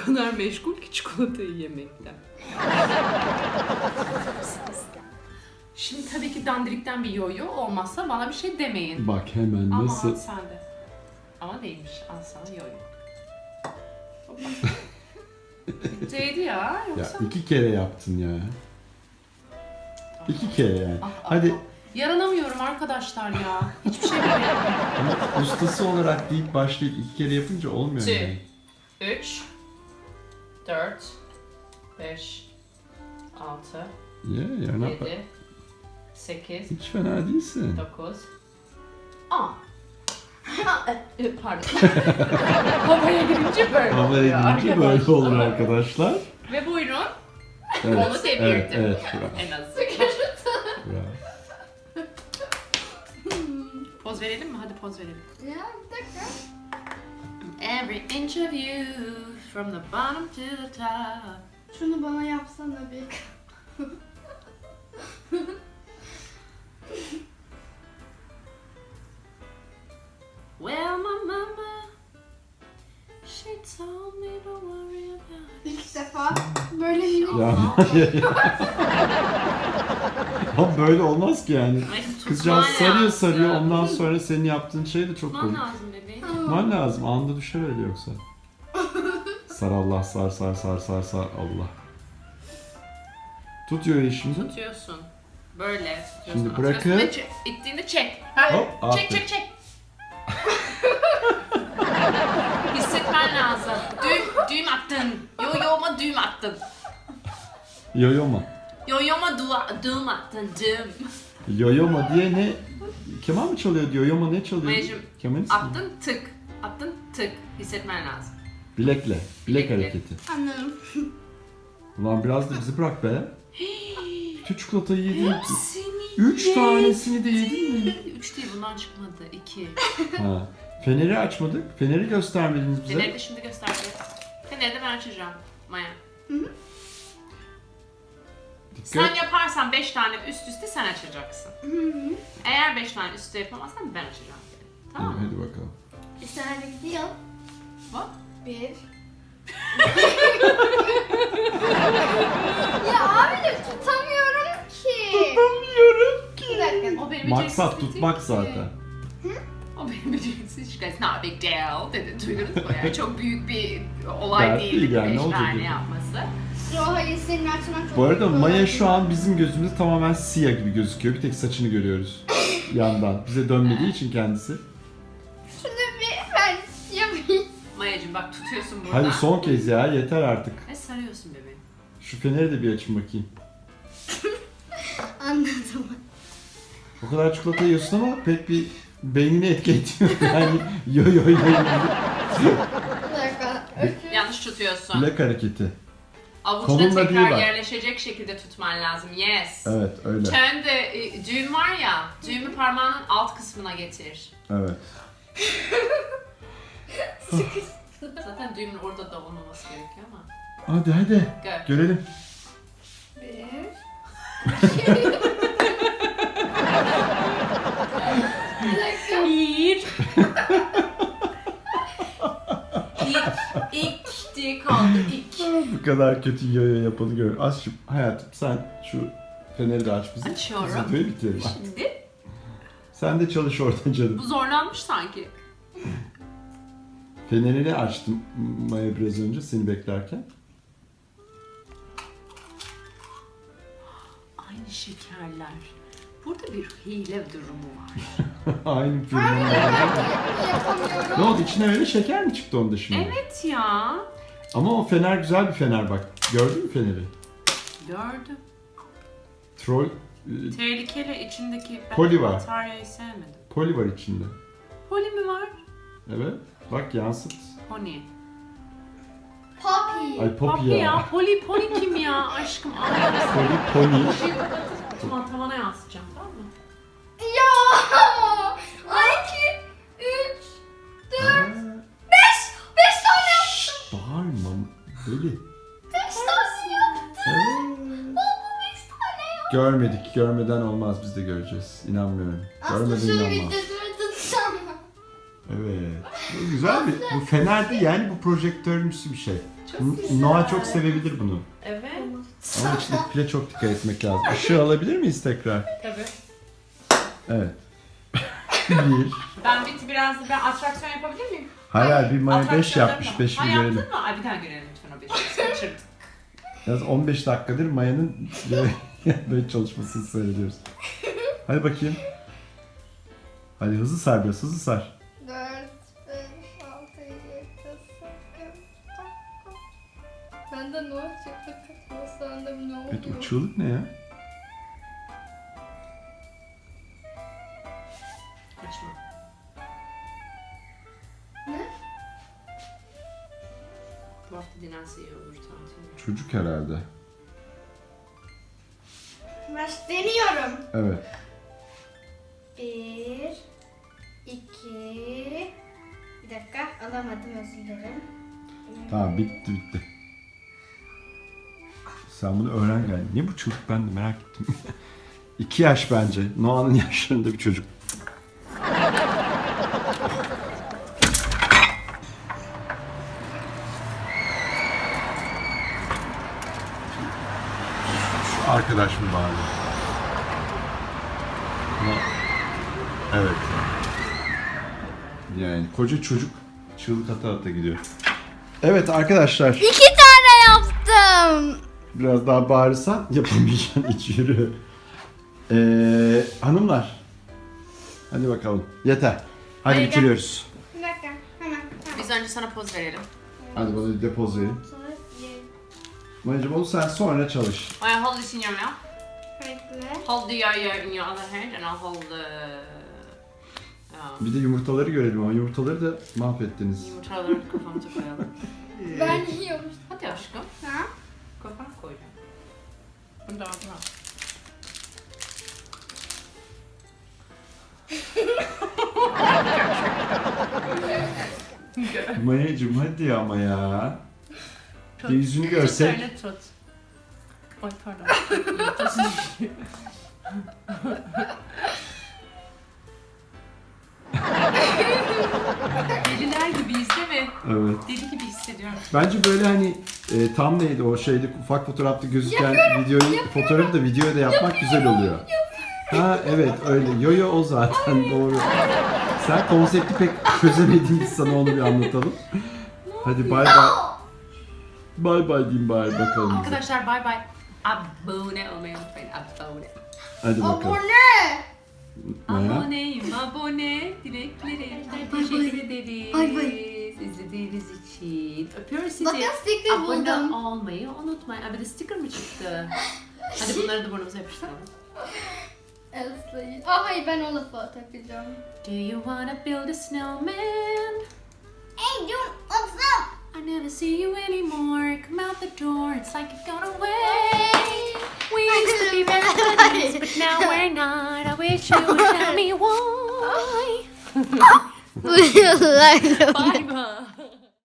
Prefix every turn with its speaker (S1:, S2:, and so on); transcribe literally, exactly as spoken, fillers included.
S1: kadar meşgul ki çikolatayı yemekten. Şimdi tabii ki dandirikten bir yoyo olmazsa bana bir şey demeyin.
S2: Bak hemen
S1: Ama
S2: nasıl...
S1: al sen de. Ama değilmiş. Al sana yoyo. Değdi ya.
S2: Ya
S1: Yoksa...
S2: iki kere yaptın ya. İki kere yani.
S1: Ah, ah,
S2: Hadi
S1: ah. Yaranamıyorum arkadaşlar ya. Hiçbir şey bilmiyorum.
S2: ama ustası olarak deyip başlayıp iki kere yapınca olmuyor
S1: Two.
S2: yani.
S1: üç, dört, beş, altı,
S2: Yeah, you're not bad.
S1: yedi, sekiz,
S2: Hiç fena değilsin.
S1: dokuz, on. Pardon. Havaya girince böyle
S2: Havaya
S1: oluyor
S2: girince böyle
S1: arkadaşlar.
S2: olur arkadaşlar.
S1: Ve buyurun.
S2: Evet,
S1: Onu devirdim.
S2: evet, evet. Bravo,
S1: En azından.
S2: bravo.
S1: Poz verelim mi? Hadi poz verelim.
S3: Ya bir dakika.
S1: Every inch of you from the bottom to the top.
S3: Şunu bana yapsana bir.
S1: Well, my mama, she told me to worry about it.
S3: İlk defa böyle minik.
S2: Ya. Ama böyle olmaz ki yani.
S1: Ay, tutman
S2: Kızcağız sarıyor
S1: lazım.
S2: sarıyor ondan sonra senin yaptığın şey de çok
S1: Tutman
S2: komik.
S1: lazım bebeğim.
S2: Tutman lazım. Anında düşer öyle yoksa. Sar Allah sar sar sar sar sar Allah. Tutuyor ya şimdi.
S1: Tutuyorsun. Böyle tutuyorsun.
S2: Şimdi
S1: atıyorsun
S2: bırakıp-
S1: ve çek- ittiğinde çek. Ha,
S2: Hop,
S1: çek
S2: aferin.
S1: çek çek. Hissetmen lazım. Düğüm, düğüm attın. Yoyoma düğüm attın.
S2: Yoyoma.
S1: Yoyoma dua, düğüm attın. Düğüm.
S2: Yoyoma diye ne? Keman mı çalıyor diyor? Yoyoma ne çalıyor?
S1: Mayacım,
S2: Kemanist mi?
S1: Attın tık. Attın tık. Hissetmen lazım.
S2: Bilekle. Bilek
S1: Bilekle.
S2: hareketi.
S3: Anladım.
S2: Ulan biraz da bizi bırak be. Bütün çikolatayı yedin.
S1: Hepsini
S2: Üç tanesini de yedin mi?
S1: Üç değil, bundan çıkmadı. İki.
S2: Ha. Feneri açmadık. Feneri göstermediniz bize.
S1: Feneri de şimdi göstereceğiz. Feneri de ben açacağım. Maya.
S2: Dikkat.
S1: Sen yaparsan beş tane üst üste sen açacaksın.
S3: Hı hı.
S1: Eğer beş tane üst üste yapamazsan ben açacağım. Tamam mı?
S2: Hadi bakalım.
S3: Bir saniye gidiyor.
S1: Bak.
S3: Bir. Ya abi de tutamıyorum ki.
S2: Tutamıyorum
S3: Bir
S2: ki.
S3: dakika.
S1: O benim
S2: Maksat
S1: beceriksiz
S2: tutmak
S1: değil ki.
S2: zaten.
S1: O benim beceriksiz işte. It's not a big deal dedi. Duydunuz mu? Yani çok büyük bir olay
S2: Dert
S1: değildi
S2: değil yani,
S1: beş
S2: ne olacak
S1: tane
S2: yani?
S1: yapması.
S3: Yo hayır senin açman çok
S2: Bu arada
S3: kolay.
S2: Maya şu an bizim gözümüzde tamamen siyah gibi gözüküyor. Bir tek saçını görüyoruz yandan. Bize dönmediği için kendisi.
S3: Şunu bir ben yapayım.
S1: Mayacığım bak tutuyorsun burada.
S2: Hadi son kez ya yeter artık.
S1: Ve sarıyorsun bebeğim.
S2: Şu feneri de bir açın bakayım.
S3: Anladım.
S2: O kadar çikolata yiyorsun ama pek bir beynini etki etmiyor. Yani yo yo yo yo.
S3: Bir dakika. Öpüyorum.
S1: Yanlış tutuyorsun.
S2: Bilek hareketi.
S1: Avuçla
S2: Kolunla değil
S1: tekrar
S2: bak.
S1: yerleşecek şekilde tutman lazım. Yes.
S2: Evet öyle.
S1: Turn de e, düğüm var ya, düğümü parmağının alt kısmına getir.
S2: Evet.
S1: Zaten düğümün orada da olmaması gerekiyor ama.
S2: Hadi hadi.
S1: Go.
S2: Görelim.
S3: Bir.
S1: Bir. İlk, ilk diye kaldı. İlk.
S2: Bu kadar kötü yo yo yapanı gör. Az şu hayatım sen şu feneri de aç bize.
S1: Açıyorum.
S2: Biz videoyu bitirelim.
S1: Şimdi
S2: Sen de çalış oradan canım.
S1: bu zorlanmış sanki.
S2: Fenerini açtım Maya biraz önce seni beklerken.
S1: Aynı şekerler. Burada bir hile durumu var.
S2: Aynı firmanın.
S3: Yapamıyorum.
S2: Ne oldu içine öyle şeker mi çıktı onda şimdi?
S1: Evet ya.
S2: Ama o fener güzel bir fener bak. Gördün mü feneri?
S1: Gördüm.
S2: Troll e,
S1: Tehlikeli içindeki ben
S2: Poli var.
S1: bataryayı sevmedim.
S2: poli var içinde.
S1: Poli mi var?
S2: Evet. Bak yansıt.
S1: Pony.
S3: Poppy.
S2: Ay Poppy
S1: Papi
S2: ya.
S1: ya. Poli, poli kim ya? Aşkım anlarsın.
S2: Poli pony.
S1: Işığı kapatıp tamam tavana yansıtacağım tamam mı?
S3: Ya. Ay iki, üç, dört, beş. Beş tane yaptım.
S2: Bağırma. Deli.
S3: Beş tane yaptım.
S2: Evet.
S3: Baba beş tane yaptım.
S2: Görmedik. Görmeden olmaz. Biz de göreceğiz. İnanmıyorum.
S3: Aslında
S2: Görmeden
S3: şunu
S2: inanmam.
S3: videoda tutsam.
S2: Evet. Bu güzel bir... Bu fener değil yani bu projektörümsü bir şey.
S1: Çok güzel.
S2: Noah çok sevebilir bunu.
S1: Evet.
S2: Ama içindeki pile çok dikkat etmek lazım. Işığı alabilir miyiz tekrar?
S1: Tabii.
S2: Evet. bir.
S1: Ben bir, biraz ben atraksiyon yapabilir miyim?
S2: Hayır hayır, bir Maya beş
S1: Atraksiyonlarım
S2: yapmış.
S1: da-
S2: beşi
S1: Ha
S2: bir
S1: yaptın
S2: görelim.
S1: mı? Ay bir tane görelim lütfen o beşi. Kaçırdık.
S2: Yalnız on beş dakikadır Maya'nın böyle çalışmasını seyrediyoruz. Hadi bakayım. Hadi hızlı sar biraz, hızlı sar.
S3: dört, beş, altı, yedi, sekiz, dokuz. Bende ne çıktı? Kısmı sende ne oluyor?
S2: Evet, o çığlık ne ya?
S1: Kaçma.
S3: Ne?
S1: Bu hafta dinlense iyi olur tatil.
S2: Çocuk herhalde.
S3: Baş deniyorum.
S2: Evet.
S3: Bir, iki, bir dakika alamadım, özür dilerim.
S2: Tamam, bitti bitti. Sen bunu öğren gel. Niye bu çocuk, ben de merak ettim. İki yaş bence. Noah'nın yaşlarında bir çocuk. Şu arkadaş mı bari? No- Evet. Yani koca çocuk çığlık ata ata gidiyor. Evet arkadaşlar.
S3: İki tane yaptım.
S2: Biraz daha bağırırsan yapamayacaksın, hiç yürü. Ee, hanımlar. Hadi bakalım. Yeter. Hadi
S1: Hayır, gel.
S2: bitiriyoruz.
S3: Bir dakika, hemen. Tamam.
S1: Biz önce sana poz verelim.
S2: Hadi bana bir depoz verin.
S3: Sonra bir
S2: Mayacım onu sen sonra çalış.
S1: I hold this in your mouth.
S3: bekle.
S1: Hold the yo-yo in your other hand and I'll hold the... Um,
S2: Bir de yumurtaları görelim ama yumurtaları da mahvettiniz.
S1: yumurtaları kafamıza koyalım.
S3: Ben yiyorum.
S1: Hadi aşkım.
S3: Ha?
S1: Kafana koyacağım. Bunu da ağzına al.
S2: Mayacım hadi ama ya.
S1: Tut.
S2: Bir yüzünü görsek.
S1: Tut, öyle tut. Ay pardon. Deliler gibiyiz değil mi?
S2: Evet.
S1: Deli gibi hissediyorum.
S2: Bence böyle hani e, tam neydi o şeyde ufak fotoğrafta gözüken videoyu, fotoğrafı da videoya da yapmak güzel oluyor. Ha evet öyle. Yo-yo o zaten doğru. Sen konsepti pek çözemedin, biz sana onu bir anlatalım. Hadi bay bay. Bay bay diyeyim bari bakalım bize.
S1: Arkadaşlar bay bay. Abone olmayı unutmayın. Abone.
S2: Hadi bakalım.
S3: Abone.
S2: Maya.
S1: Aboneyim abone. Dileklerimden teşekkür ederiz.
S3: Bay bay.
S1: İzlediğiniz için. Öpüyoruz sizi.
S3: Bakın sticker
S1: Abone
S3: buldum.
S1: olmayı unutmayın. Abi de sticker mı çıktı? Hadi bunları da burnumuza yapıştıralım.
S3: Elsa'yı. Aa hayır, ben o lafı takacağım.
S1: Do you wanna build a snowman?
S3: Hey dur, otur.
S1: I never see you anymore. Come out the door. It's like you've gone away. We used to be best buddies, but now we're not. I wish you would tell me why. Bye bye.